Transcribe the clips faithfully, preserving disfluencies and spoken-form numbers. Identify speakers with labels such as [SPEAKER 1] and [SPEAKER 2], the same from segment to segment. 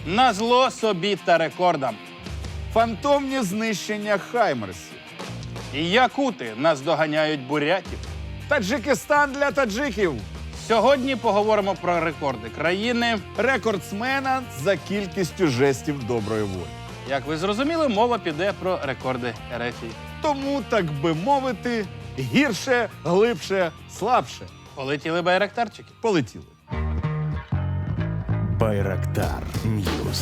[SPEAKER 1] Назло собі та рекордам.
[SPEAKER 2] Фантомні знищення хаймерсів.
[SPEAKER 1] І якути наздоганяють бурятів.
[SPEAKER 2] Таджикистан для таджиків.
[SPEAKER 1] Сьогодні поговоримо про рекорди країни.
[SPEAKER 2] Рекордсмена за кількістю жестів доброї волі.
[SPEAKER 1] Як ви зрозуміли, мова піде про рекорди Ерефії.
[SPEAKER 2] Тому, так би мовити, гірше, глибше, слабше.
[SPEAKER 1] Полетіли байрактарчики.
[SPEAKER 2] Полетіли.
[SPEAKER 3] Байрактар Ньюс.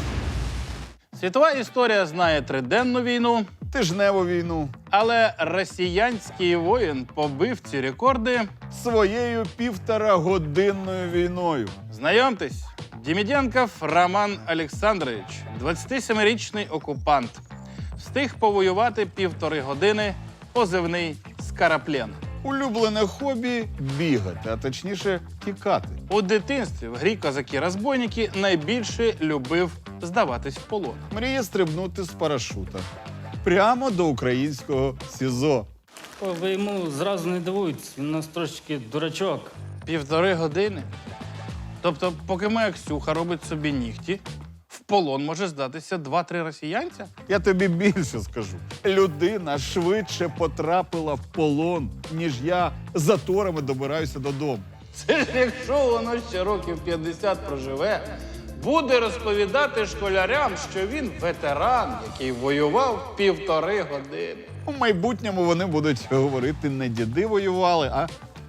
[SPEAKER 1] Світова історія знає триденну війну,
[SPEAKER 2] Тижневу війну.
[SPEAKER 1] але росіянський воїн побив ці рекорди.
[SPEAKER 2] Своєю півторагодинною війною.
[SPEAKER 1] Знайомтесь, Деміденков Роман Олександрович, двадцятисемирічний окупант. Встиг повоювати півтори години, позивний «Скараплен».
[SPEAKER 2] Улюблене хобі – бігати, а точніше тікати.
[SPEAKER 1] У дитинстві в грі «Козаки-розбойники» найбільше любив здаватись в полон.
[SPEAKER 2] Мріє стрибнути з парашута. Прямо до українського СІЗО.
[SPEAKER 4] О, ви йому зразу не дивуйтесь, він у нас трошечки дурачок.
[SPEAKER 1] Півтори години? Тобто, поки моя Ксюха робить собі нігті, в полон може здатися два-три росіянця?
[SPEAKER 2] Я тобі більше скажу. Людина швидше потрапила в полон, ніж я заторами добираюся додому.
[SPEAKER 1] Це ж якщо воно ще років п'ятдесят проживе, буде розповідати школярям, що він ветеран, який воював півтори години.
[SPEAKER 2] У майбутньому вони будуть говорити, не діди воювали, а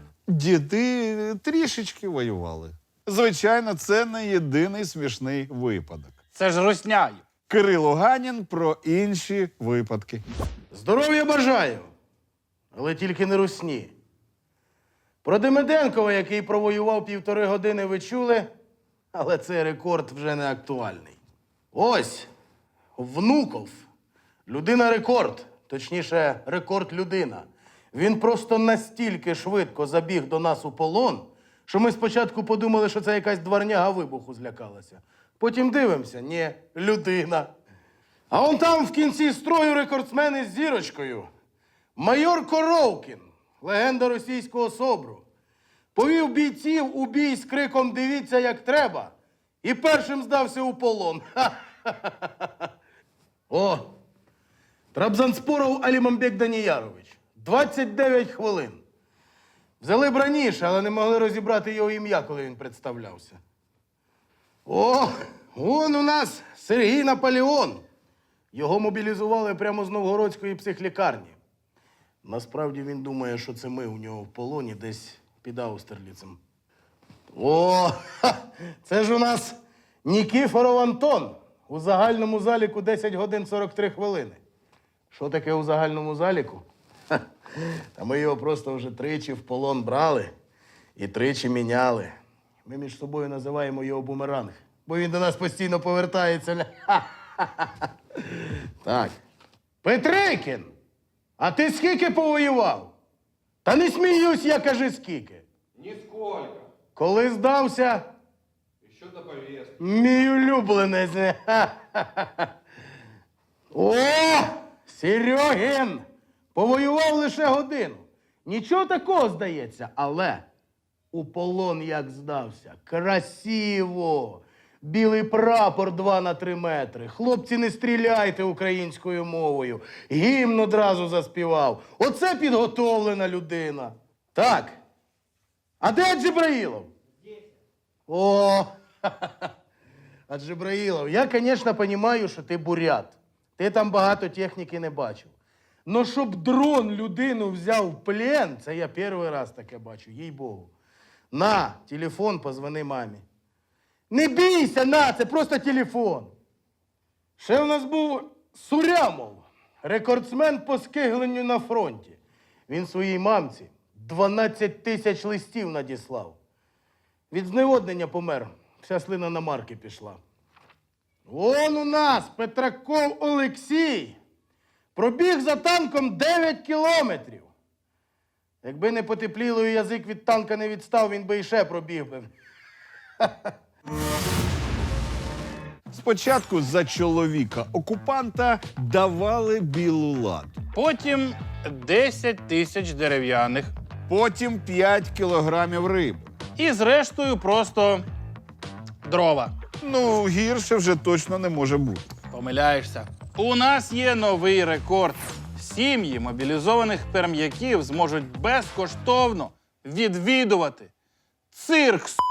[SPEAKER 2] діди трішечки воювали. Звичайно, це не єдиний смішний випадок.
[SPEAKER 1] Це ж русняю.
[SPEAKER 2] Кирило Ганін про інші випадки.
[SPEAKER 5] Здоров'я бажаю, але тільки не русні. Про Демиденкова, який провоював півтори години, ви чули, але цей рекорд вже не актуальний. Ось, Внуков. Людина-рекорд, точніше, рекорд-людина. Він просто настільки швидко забіг до нас у полон, що ми спочатку подумали, що це якась дворняга вибуху злякалася. Потім дивимося, ні, людина. А он там в кінці строю рекордсмен із зірочкою. Майор Коровкін, легенда російського СОБРу. Повів бійців у бій з криком «Дивіться, як треба!» і першим здався у полон. Ха-ха-ха-ха. О, Трабзанспоров Алімамбек Даніярович. двадцять дев'ять хвилин. Взяли б раніше, але не могли розібрати його ім'я, коли він представлявся. О, вон у нас Сергій Наполеон. Його мобілізували прямо з Новгородської психлікарні. Насправді він думає, що це ми у нього в полоні десь під Аустерліцем. О, ха, це ж у нас Нікіфоров Антон. У загальному заліку десять годин сорок три хвилини. Що таке у загальному заліку? Ха, та ми його просто вже тричі в полон брали і тричі міняли. Ми між собою називаємо його бумеранг, бо він до нас постійно повертається. Так. Петрикін, а ти скільки повоював? Та не сміюсь, я кажи скільки.
[SPEAKER 6] Нисколько.
[SPEAKER 5] Коли здався?
[SPEAKER 6] Еще до повестки.
[SPEAKER 5] Мій улюбленець. О, Серьогін! Повоював лише годину. Нічого такого, здається, але у полон як здався. Красиво! Білий прапор два на три метри. Хлопці, не стріляйте українською мовою. Гімн одразу заспівав. Оце підготовлена людина. Так. А де Джибраїлов? О, а Джибраїлов, я, звісно, розумію, що ти бурят. Ти там багато техніки не бачив. Но щоб дрон людину взяв в плен, це я перший раз таке бачу, їй-богу. На, телефон, позвони мамі. Не бійся, на, це просто телефон. Ще в нас був Сурямов, рекордсмен по скигленню на фронті. Він своїй мамці дванадцять тисяч листів надіслав. Від зневоднення помер, вся слина на марки пішла. Вон у нас Петраков Олексій. Пробіг за танком дев'ять кілометрів. Якби не потепліло і язик від танка не відстав, він би іще пробіг би.
[SPEAKER 2] Спочатку за чоловіка окупанта давали білу ладу.
[SPEAKER 1] Потім десять тисяч дерев'яних.
[SPEAKER 2] Потім п'ять кілограмів риби.
[SPEAKER 1] І зрештою просто дрова.
[SPEAKER 2] Ну, гірше вже точно не може бути.
[SPEAKER 1] Помиляєшся. У нас є новий рекорд. Сім'ї мобілізованих перм'яків зможуть безкоштовно відвідувати цирк. с***.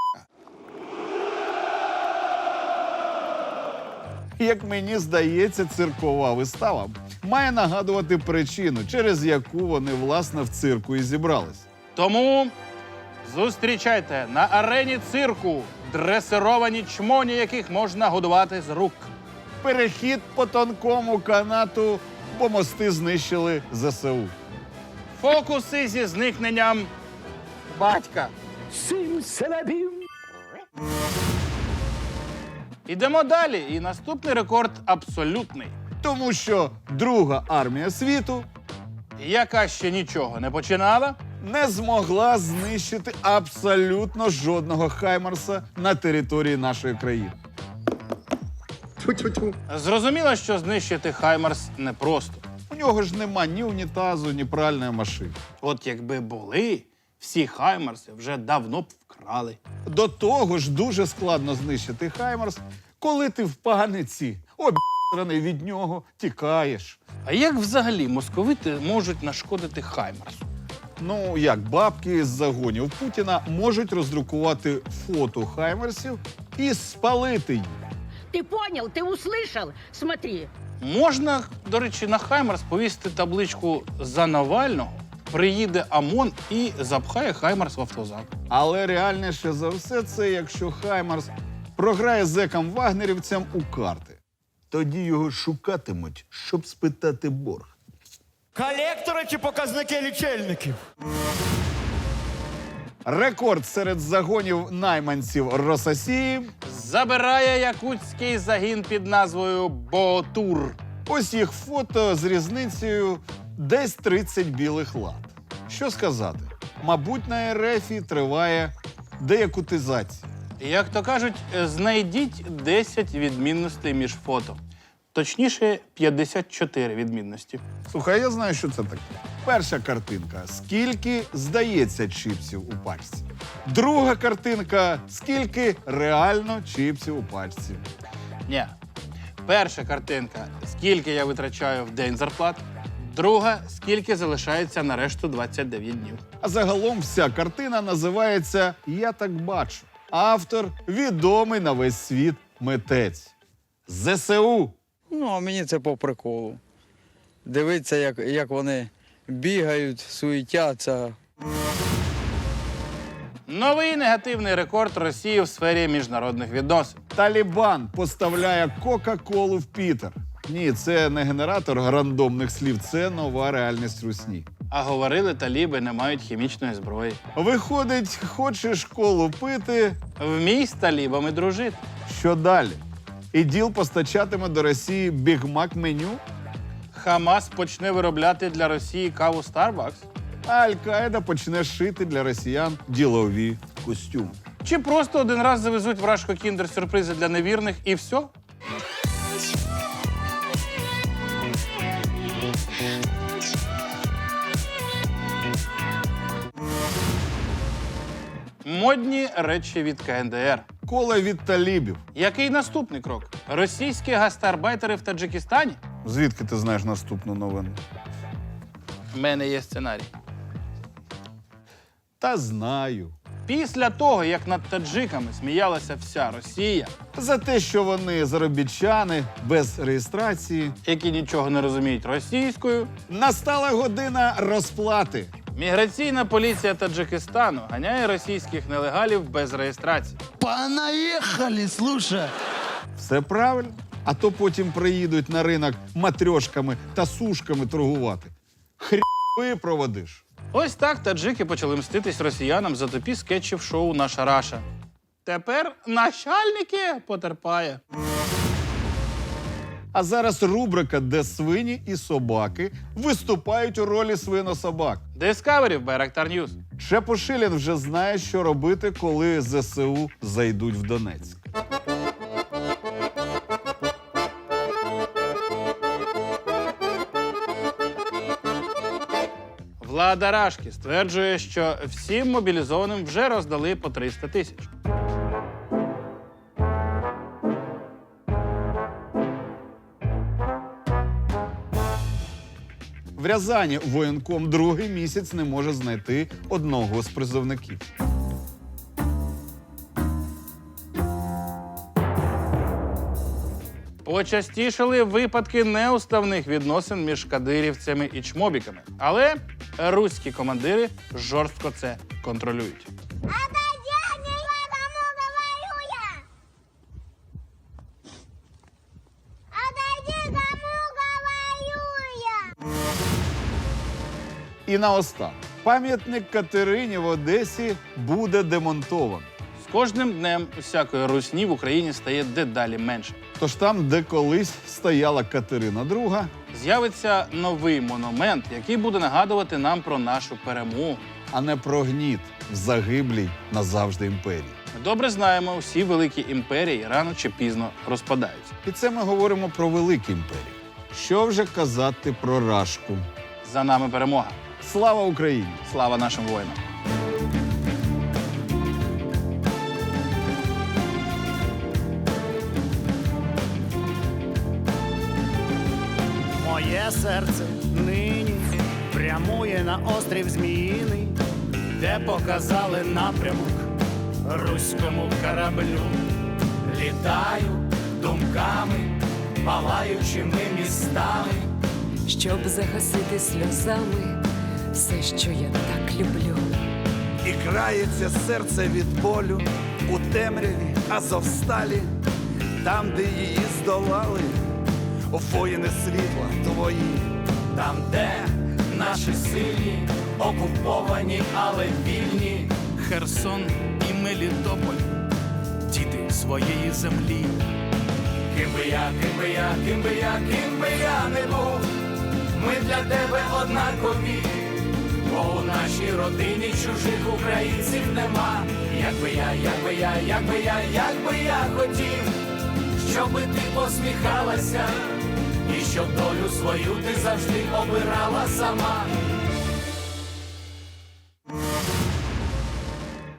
[SPEAKER 2] Як мені здається, циркова вистава має нагадувати причину, через яку вони, власне, в цирку і зібрались.
[SPEAKER 1] Тому зустрічайте на арені цирку дресировані чмоні, яких можна годувати з рук.
[SPEAKER 2] Перехід по тонкому канату, бо мости знищили зе се у.
[SPEAKER 1] Фокуси зі зникненням батька. Ідемо далі. І наступний рекорд абсолютний.
[SPEAKER 2] Тому що Друга армія світу
[SPEAKER 1] Яка ще нічого не починала,
[SPEAKER 2] не змогла знищити абсолютно жодного Хаймарса на території нашої країни.
[SPEAKER 1] зрозуміло, що знищити Хаймарс непросто.
[SPEAKER 2] У нього ж нема ні унітазу, ні пральної машини.
[SPEAKER 1] От якби були, всі Хаймарси вже давно б вкрали.
[SPEAKER 2] До того ж дуже складно знищити Хаймарс, коли ти в паниці, об'єраний від нього, тікаєш.
[SPEAKER 1] А як взагалі московити можуть нашкодити Хаймарсу?
[SPEAKER 2] Ну, як бабки з загонів Путіна можуть роздрукувати фото Хаймарсів і спалити їх.
[SPEAKER 7] Ты понял? Ты услышал? Смотри.
[SPEAKER 1] Можна, до речі, на Хаймарс повісити табличку «За Навального», приїде ОМОН і запхає Хаймарс в автозак.
[SPEAKER 2] Але реальніше за все це, якщо Хаймарс програє зекам-вагнерівцям у карти. Тоді його шукатимуть, щоб спитати борг.
[SPEAKER 8] Колектори чи показники лічильників?
[SPEAKER 2] Рекорд серед загонів найманців Рососії.
[SPEAKER 1] Забирає якутський загін під назвою «Ботур».
[SPEAKER 2] Ось їх фото з різницею десь тридцять білих лад. Що сказати? Мабуть, на ер еф і триває деякутизація.
[SPEAKER 1] Як то кажуть, знайдіть десять відмінностей між фото. Точніше, п'ятдесят чотири відмінності.
[SPEAKER 2] Слухай, я знаю, що це таке. Перша картинка. Скільки здається чіпсів у пачці. Друга картинка. Скільки реально чіпсів у пачці.
[SPEAKER 1] Ні. Перша картинка – скільки я витрачаю в день зарплат. Друга – скільки залишається на решту двадцять дев'ять днів.
[SPEAKER 2] А загалом вся картина називається «Я так бачу». Автор – відомий на весь світ митець. зе се у.
[SPEAKER 9] Ну, а мені це по приколу. Дивитися, як, як вони бігають, суетяться.
[SPEAKER 1] Новий негативний рекорд Росії в сфері міжнародних відносин.
[SPEAKER 2] Талібан поставляє Кока-Колу в Пітер. Ні, це не генератор рандомних слів, це нова реальність русні.
[SPEAKER 1] А говорили, таліби не мають хімічної зброї.
[SPEAKER 2] Виходить, хочеш колу пити,
[SPEAKER 1] Вмій з талібами дружити.
[SPEAKER 2] що далі? іділ постачатиме до Росії бігмак-меню?
[SPEAKER 1] Хамас почне виробляти для Росії каву Starbucks?
[SPEAKER 2] А Аль-Каїда почне шити для росіян ділові костюми.
[SPEAKER 1] Чи просто один раз завезуть вражко кіндер-сюрпризи для невірних і все? Модні речі від ка ен де ер.
[SPEAKER 2] Кола від талібів.
[SPEAKER 1] Який наступний крок? Російські гастарбайтери в Таджикистані?
[SPEAKER 2] Звідки ти знаєш наступну новину?
[SPEAKER 1] У мене є сценарій.
[SPEAKER 2] Та знаю.
[SPEAKER 1] Після того, як над таджиками сміялася вся Росія,
[SPEAKER 2] За те, що вони заробітчани без реєстрації,
[SPEAKER 1] які нічого не розуміють російською,
[SPEAKER 2] настала година розплати.
[SPEAKER 1] міграційна поліція Таджикистану ганяє російських нелегалів без реєстрації.
[SPEAKER 8] Понаїхали, слушай.
[SPEAKER 2] Все правильно. А то потім приїдуть на ринок матрьошками та сушками торгувати. Хрі проводиш.
[SPEAKER 1] Ось так таджики почали мститись росіянам за тупі скетчів шоу «Наша Раша». Тепер начальники потерпає.
[SPEAKER 2] А зараз рубрика, де свині і собаки виступають у ролі свинособак.
[SPEAKER 1] Discovery в Байрактар Ньюс.
[SPEAKER 2] Чепушилін вже знає, що робити, коли зе се у зайдуть в Донецьк.
[SPEAKER 1] Влада Рашки стверджує, що всім мобілізованим вже роздали по триста тисяч.
[SPEAKER 2] В Рязані воєнком другий місяць не може знайти одного з призовників.
[SPEAKER 1] Почастішали випадки неуставних відносин між кадирівцями і чмобіками. Але руські командири жорстко це контролюють.
[SPEAKER 2] І наостанок. Пам'ятник Катерині в Одесі буде демонтовано.
[SPEAKER 1] З кожним днем усякої русні в Україні стає дедалі менше.
[SPEAKER 2] Тож там, де колись стояла Катерина друга,
[SPEAKER 1] З'явиться новий монумент, який буде нагадувати нам про нашу перемогу.
[SPEAKER 2] а не про гніт в загиблій назавжди імперії.
[SPEAKER 1] Ми добре знаємо, всі великі імперії рано чи пізно розпадаються.
[SPEAKER 2] І це ми говоримо про великі імперії. Що вже казати про Рашку?
[SPEAKER 1] За нами перемога.
[SPEAKER 2] Слава Україні!
[SPEAKER 1] Слава нашим воїнам!
[SPEAKER 8] Моє серце нині прямує на острів Зміїний, де показали напрямок руському кораблю. Літаю думками, палаючими містами.
[SPEAKER 10] щоб загасити сльозами все, що я так люблю.
[SPEAKER 8] І крається серце від болю у темряві Азовсталі, там, де її здолали воїни світла твої, там, де наші сильні, окуповані, але вільні.
[SPEAKER 11] Херсон і Мелітополь, діти своєї землі.
[SPEAKER 8] Ким би я, ким би я, ким би я, ким би я не був, ми для тебе однакові, бо у нашій родині чужих українців нема. Як би я, як би я, як би я, як би я хотів, щоби ти посміхалася, і щоб долю свою ти завжди обирала сама.